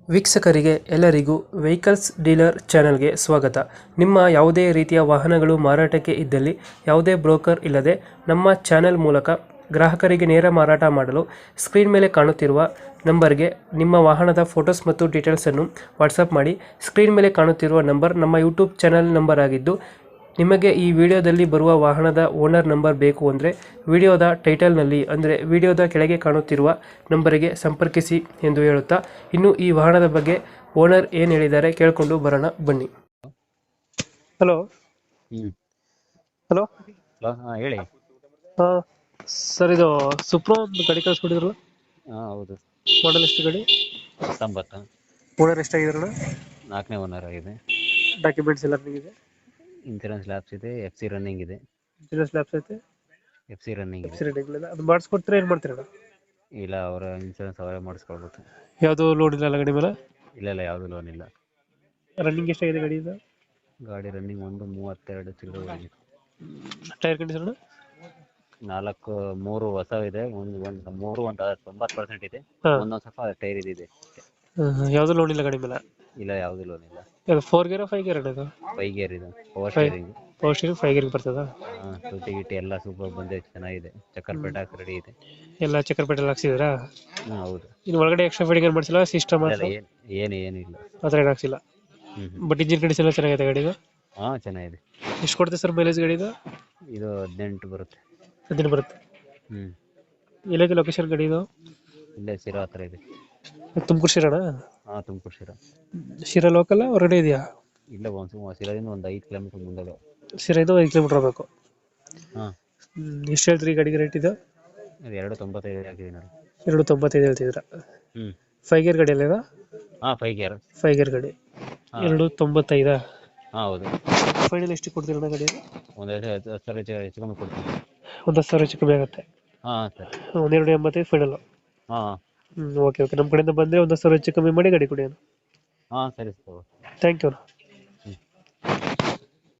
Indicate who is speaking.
Speaker 1: ವೀಕ್ಷಕರಿಗೆ ಎಲ್ಲರಿಗೂ vehicles dealer ಚಾನೆಲ್ಗೆ ಸ್ವಾಗತ. ನಿಮ್ಮ ಯಾವುದೇ ರೀತಿಯ ವಾಹನಗಳು ಮಾರಾಟಕ್ಕೆ ಇದ್ದಲ್ಲಿ ಯಾವುದೇ ಬ್ರೋಕರ್ ಇಲ್ಲದೆ ನಮ್ಮ ಚಾನೆಲ್ ಮೂಲಕ ಗ್ರಾಹಕರಿಗೆ ನೇರ ಮಾರಾಟ ಮಾಡಲು ಸ್ಕ್ರೀನ್ ಮೇಲೆ ಕಾಣುತ್ತಿರುವ ನಂಬರ್ಗೆ ನಿಮ್ಮ ವಾಹನದ ಫೋಟೋಸ್ ಮತ್ತು ಡೀಟೇಲ್ಸನ್ನು ವಾಟ್ಸಪ್ ಮಾಡಿ. ಸ್ಕ್ರೀನ್ ಮೇಲೆ ಕಾಣುತ್ತಿರುವ ನಂಬರ್ ನಮ್ಮ ಯೂಟ್ಯೂಬ್ ಚಾನೆಲ್ ನಂಬರ್ ಆಗಿದ್ದು, ನಿಮಗೆ ಈ ವಿಡಿಯೋದಲ್ಲಿ ಬರುವ ವಾಹನದ ಓನರ್ ನಂಬರ್ ಬೇಕು ಅಂದರೆ ವಿಡಿಯೋದ ಟೈಟಲ್ನಲ್ಲಿ ಅಂದರೆ ವಿಡಿಯೋದ ಕೆಳಗೆ ಕಾಣುತ್ತಿರುವ ನಂಬರಿಗೆ ಸಂಪರ್ಕಿಸಿ ಎಂದು ಹೇಳುತ್ತಾ, ಇನ್ನು ಈ ವಾಹನದ ಬಗ್ಗೆ ಓನರ್ ಏನು ಹೇಳಿದ್ದಾರೆ ಕೇಳಿಕೊಂಡು ಬರೋಣ ಬನ್ನಿ. ಹಲೋ
Speaker 2: ಹ್ಮ್
Speaker 1: ಹಲೋ
Speaker 2: ಹಲೋ ಹೇಳಿ.
Speaker 1: ಸರ್, ಇದು ಸುಪ್ರೋ ಒಂದು ಗಾಡಿ ಕಳಿಸ್ಕೊಟ್ಟಿದ್ರಲ್ಲ,
Speaker 2: ಹೌದು.
Speaker 1: ಮಾಡಲ್ ಎಷ್ಟು ಗಾಡಿ?
Speaker 2: 19
Speaker 1: ಓನರ್ ಎಷ್ಟಾಗಿದ್ರಲ್ಲ?
Speaker 2: 4ನೇ ಓನರ್ ಆಗಿದೆ.
Speaker 1: ಡಾಕ್ಯುಮೆಂಟ್ಸ್ ಎಲ್ಲ ಇದೆ?
Speaker 2: ಇನ್ಸೂರೆನ್ಸ್ ಲ್ಯಾಬ್ಸ್ ಇದೆ, FC ರನ್ನಿಂಗ್ ಇದೆ.
Speaker 1: ಇನ್ಸೂರೆನ್ಸ್ ಲ್ಯಾಪ್ಸ್ ಐತೆ?
Speaker 2: FC ರನ್ನಿಂಗ್ ಇದೆ.
Speaker 1: ಅದು ಮಾಡಿಸ್ಕೊಡ್ತೀರಾ, ಏನು ಮಾಡ್ತೀರಾ?
Speaker 2: ಇಲ್ಲ, ಅವರ ಇನ್ಸೂರೆನ್ಸ್ ಅವರೇ ಮಾಡಿಸ್ಕೊಳ್ಬೇಕು.
Speaker 1: ಯಾವುದು ಲೋನ್ ಇಲ್ಲ ಗಾಡಿ ಮೇಲೆ?
Speaker 2: ಇಲ್ಲ, ಯಾವುದು ಲೋನ್ ಇಲ್ಲ.
Speaker 1: ರನ್ನಿಂಗ್ ಎಷ್ಟಾಗಿದೆ ಗಾಡಿ ಇದು?
Speaker 2: ಗಾಡಿ ರನ್ನಿಂಗ್ 132 ಚಿಲ್ಲರೆ ಆಗಿದೆ.
Speaker 1: Tyre condition?
Speaker 2: 3 ಹೊಸವಿದೆ, ಒಂದು 90% ಇದೆ. ಒಂದೊಂದು ಸ್ವಲ್ಪ ಟೈರ್ ಇದೆ.
Speaker 1: ಯಾವುದು ಲೋನ್ ಇಲ್ಲ ಗಾಡಿ ಮೇಲೆ?
Speaker 2: ಇಲ್ಲ, ಯಾವುದು ಲೋನ್ ಇಲ್ಲ.
Speaker 1: ಇದು 4 ಗೇರ್ 5 ಗೇರ್ ಇದು?
Speaker 2: 5 ಗೇರ್ ಇದೆ. Power steering.
Speaker 1: Power steering 5 gear ಬರ್ತದ?
Speaker 2: ತುಟಿ ಗಿಟಿ ಎಲ್ಲ ಸೂಪರ್ ಬಂದಿದೆ, ಚೆನ್ನಾಗಿದೆ. ಚಕ್ಕರ್ ಪೇಟ ರೆಡಿ ಇದೆ.
Speaker 1: ಎಲ್ಲ ಚಕ್ಕರ್ ಪೇಟೆಲ್ ಹಾಕ್ಸಿದ್ರಾ?
Speaker 2: ಹೌದು.
Speaker 1: ಇನ್ನು ಒಳಗಡೆ ಎಕ್ಸ್ಟ್ರಾ ಫಿಟ್ಟಿಂಗ್ ಏನು ಮಾಡಿಸಿಲ್ಲ, ಸಿಸ್ಟಮ್ ಮಾತ್ರ?
Speaker 2: ಏನಿಲ್ಲ.
Speaker 1: ಆ ಥರ ಏನು ಹಾಕ್ಸಿಲ್ಲ. ಬಟ್ ಇಂಜಿನ್ ಕಂಡೀಷನ್ ಎಲ್ಲ ಚೆನ್ನಾಗಿದೆ ಗಾಡಿದು?
Speaker 2: ಚೆನ್ನಾಗಿದೆ.
Speaker 1: ಎಷ್ಟು ಕೊಡುತ್ತೆ ಸರ್ ಮೈಲೇಜ್ ಗಾಡಿದು?
Speaker 2: ಇದು 18 ಬರುತ್ತೆ.
Speaker 1: 18 ಬರುತ್ತೆ. ಎಲ್ಲೈತೆ ಲೊಕೇಶನ್ ಗಾಡಿ ಇದು?
Speaker 2: ಇಲ್ಲೇ ಶಿರಾ ಹತ್ರ ಇದೆ.
Speaker 1: ತುಮಕೂರು ಶಿರಾಣ?
Speaker 2: ತುಮಕೂರು ಶಿರಾ.
Speaker 1: ಶಿರಾ ಲೋಕಲ್ ಹೊರಗಡೆ ಇದೆಯಾ?
Speaker 2: ಇಲ್ಲ, ಶಿರಾದಿಂದ ಒಂದು 5 ಕಿಲೋಮೀಟರ್ ಮುಂದೆ.
Speaker 1: ಶಿರಾಯಿಂದ 5 ಕಿಲೋಮೀಟರ್ ಹೋಗಬೇಕು.
Speaker 2: ಹಾಂ.
Speaker 1: ಎಷ್ಟು ಹೇಳ್ತೀರಿ ಗಾಡಿಗೆ ರೇಟ್ ಇದು?
Speaker 2: 295 ಹಾಕಿದ್ದೀನಿ ನಾನು.
Speaker 1: 295 ಹೇಳ್ತಿದ್ದೀರಾ? 5 ಗೇರ್ ಗಾಡಿ ಅಲ್ಲ ಇದು?
Speaker 2: 5 ಗೇರ್.
Speaker 1: 5 ಗೇರ್ ಗಾಡಿ. 295?
Speaker 2: ಹೌದು.
Speaker 1: ಫೈನಲ್ ಎಷ್ಟು ಕೊಡ್ತೀರಣ್ಣ ಗಾಡಿ?
Speaker 2: ಒಂದು 10,000 ಹೆಚ್ಚು ಕಮ್ಮಿ ಕೊಡ್ತೀನಿ.
Speaker 1: ಒಂದು 10,000 ಹೆಚ್ಚು ಕಮ್ಮಿ ಆಗುತ್ತೆ?
Speaker 2: ಸರಿ.
Speaker 1: 285 ಫೈನಲ್? ಓಕೆ. ನಮ್ಮ ಕಡೆಯಿಂದ ಬಂದರೆ ಒಂದು 10,000 ಹೆಚ್ಚು ಕಮ್ಮಿ ಮಾಡಿ ಗಾಡಿ ಕೊಡಿ.
Speaker 2: ಸರಿ.
Speaker 1: Thank you.